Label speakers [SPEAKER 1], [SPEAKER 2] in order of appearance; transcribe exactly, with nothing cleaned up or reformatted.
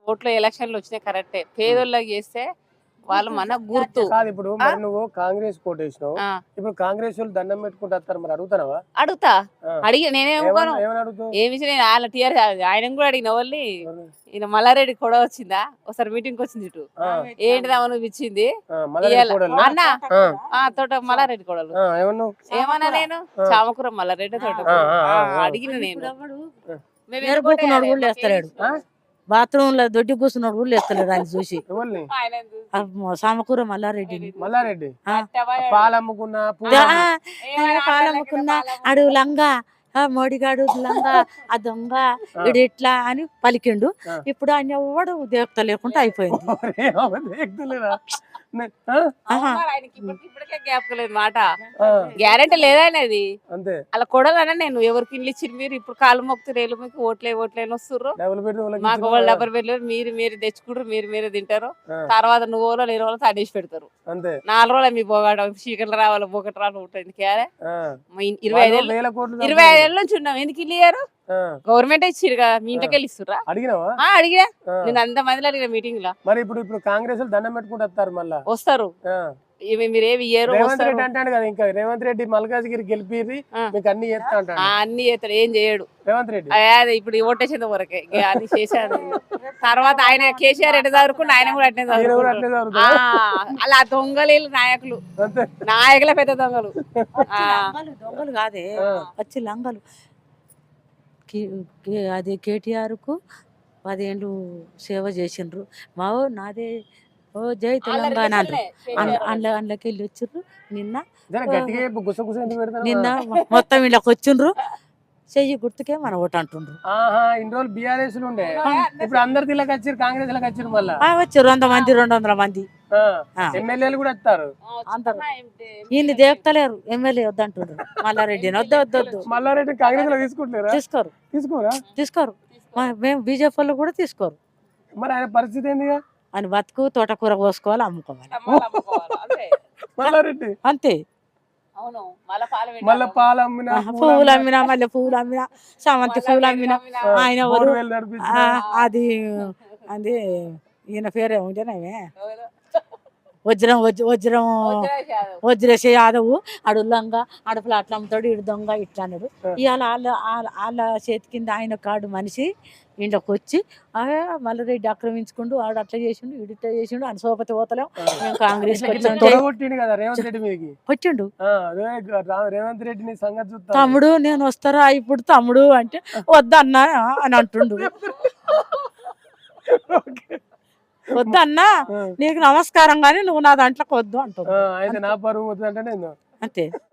[SPEAKER 1] ఓట్లు ఎలక్షన్లు వచ్చినాయి కరెక్టే. పేదోళ్ళకి చేస్తే వాళ్ళు మన గుర్తు.
[SPEAKER 2] కాదు ఇప్పుడు మరి నువ్వు కాంగ్రెస్ కోటేసినావు.
[SPEAKER 1] ఆ,
[SPEAKER 2] ఇప్పుడు కాంగ్రెస్ వాళ్ళు దండం పెట్టుకుంటూ వస్తారు, మరి అడుగుతావా?
[SPEAKER 1] అడుగుతా. అడిగి నేనేమనుకోను
[SPEAKER 2] ఏమని అడుగుతావు?
[SPEAKER 1] ఏమి నేను వాళ్ళ టీఆర్ ఆయన కూడా అడిగిన వాళ్ళు ఈయన మల్లారెడ్డి కూడా వచ్చిందా ఒకసారి మీటింగ్ వచ్చింది ఇటు ఏంటిదా నువ్వు ఇచ్చింది అన్న ఆ తోట మల్లారెడ్డి కొడలు ఏమన్నా నేను చామకూర మల్లారెడ్డి తోట అడిగిన నేను
[SPEAKER 3] బాత్రూమ్ లో దొడ్డి కూర్చున్నాడు కూడా లేస్తలేడు ఆయన చూసి. సామకూర మల్లారెడ్డి
[SPEAKER 2] మల్లారెడ్డి పాలమ్ముకున్నా
[SPEAKER 3] పాలమ్ముకున్నా అడు లంగా మోడిగాడు లంగా ఆ దొంగ ఇడు ఇట్లా అని పలికిండు. ఇప్పుడు ఆయన ఎవడు దేవత లేకుండా అయిపోయింది.
[SPEAKER 1] ఇప్పటికే జ్ఞాపకలేదు మాట గ్యారెంటీ లేదనేది అలా కొడాలన్నా నేను ఎవరికి ఇల్లు ఇచ్చి మీరు ఇప్పుడు కాలు మొక్కుతున్నారు మీకు ఓట్లే ఓట్లే వస్తుర్రు మాకు వాళ్ళు డబ్బులు పెట్టలేరు మీరు మీరు తెచ్చుకుంటారు మీరు మీరే తింటారు తర్వాత నువ్వు వాళ్ళు నేను వాళ్ళు తనేసి పెడతారు నాలుగు రోజులు మీ పోగాడ చీకట్లు రావాలి పోకటి రావాలి ఉంటుంది క్యారే ఇరవై ఐదు ఇరవై ఐదు ఏళ్ళ నుంచి ఉన్నాం ఎందుకు ఇల్లు ఇయ్యారు గవర్నమెంట్ ఇచ్చిరు కదా మీ ఇంటికి వెళ్ళి ఇస్తురా అడిగినా నేను అంత మందిలో అడిగిన మీటింగ్ లో
[SPEAKER 2] మరి ఇప్పుడు ఇప్పుడు కాంగ్రెస్ దండం పెట్టుకుంటూ వస్తారు మళ్ళీ
[SPEAKER 1] వస్తారు మీరేమి ఇయ్యారు
[SPEAKER 2] అంటాడు కదా ఇంకా రేవంత్ రెడ్డి మల్కాజ్గిరి గెలిపి మీకు అన్ని చేస్తా అంటాడు
[SPEAKER 1] అన్ని చేస్తాడు ఏం చేయడు
[SPEAKER 2] రేవంత్ రెడ్డి
[SPEAKER 1] అదే ఇప్పుడు ఓటేసేంత వరకే అన్ని చేశాడు తర్వాత ఆయన కేసీఆర్ ఎట్లా చదువుకుంటే ఆయన కూడా అట్నే చదువుకుంటాడు అలా దొంగలు నాయకులు నాయకులే పెద్ద దొంగలు
[SPEAKER 3] దొంగలు కాదే వచ్చి లంగలు అది కేటీఆర్ కు పదేళ్ళు సేవ చేసిండ్రు మా నాదే ఓ జై తెలంగాణ అండ్ల అండ్లకి వెళ్ళి వచ్చిర్రు నిన్న నిన్న మొత్తం ఇళ్ళకి వచ్చిండ్రు చెయ్యి గుర్తుకే మన ఓటు అంటుండ్రు.
[SPEAKER 2] ఇన్ని రోజులు బీఆర్ఎస్ ఉండే ఇప్పుడు అందరు దిల్లకి వచ్చారు కాంగ్రెస్ లకు వచ్చారు మళ్ళీ
[SPEAKER 3] వచ్చారు వంద మంది రెండు వందల మంది
[SPEAKER 2] ఎమ్మెల్యేలు కూడా వస్తారు
[SPEAKER 3] అందరు ఈయన్ని దేపుతలేరు ఎమ్మెల్యే వద్దంటుండ్రు మల్లారెడ్డిని వద్దు వద్దు వద్దు
[SPEAKER 2] మల్లారెడ్డి కాంగ్రెస్ లో తీసుకుంటారు
[SPEAKER 3] తీసుకోరు
[SPEAKER 2] తీసుకోరా
[SPEAKER 3] తీసుకోరు మేము బీజేపీ వాళ్ళు కూడా తీసుకోరు.
[SPEAKER 2] మరి ఆయన పరిస్థితి ఏందిగా
[SPEAKER 3] అని బతుకు తోటకూర కోసుకోవాలి అమ్ముకోవాలి
[SPEAKER 2] మల్లారెడ్డి
[SPEAKER 3] అంతే.
[SPEAKER 2] మళ్ళీ పాలు అమ్మినా
[SPEAKER 3] పువ్వులు అమ్మినా మళ్ళీ పువ్వులు అమ్మినా చామంతి పువ్వులు అమ్మినా ఆయన అది అది ఈయన పేరే ఉంటేనే వజ్రం వజ్రం వజ్రేశ యాదవ్ అడు లంగా అడుపులు అట్లా అమ్ముతాడు ఇడు దొంగ ఇట్లా అన్నాడు. ఇవాళ వాళ్ళ వాళ్ళ చేతి కింద ఆయన కాడు మనిషి ఇంట్లోకి వచ్చి మల్లారెడ్డి ఆక్రమించుకుంటూ ఆడు అట్లా చేసిండు ఇడు ఇట్లా చేసిండు అని సోపతి పోతలేం మేము కాంగ్రెస్ వచ్చిండు
[SPEAKER 2] రేవంత్ రెడ్డిని సంగతి
[SPEAKER 3] తమ్ముడు నేను వస్తారా ఇప్పుడు తమ్ముడు అంటే వద్దన్నా అని అంటుండు. వద్దన్నా నీకు నమస్కారం గానీ నువ్వు నా దాంట్లోకి వద్దు అంటావు
[SPEAKER 2] అయితే నా పరువు వద్దు అంటే నేను
[SPEAKER 3] అంతే.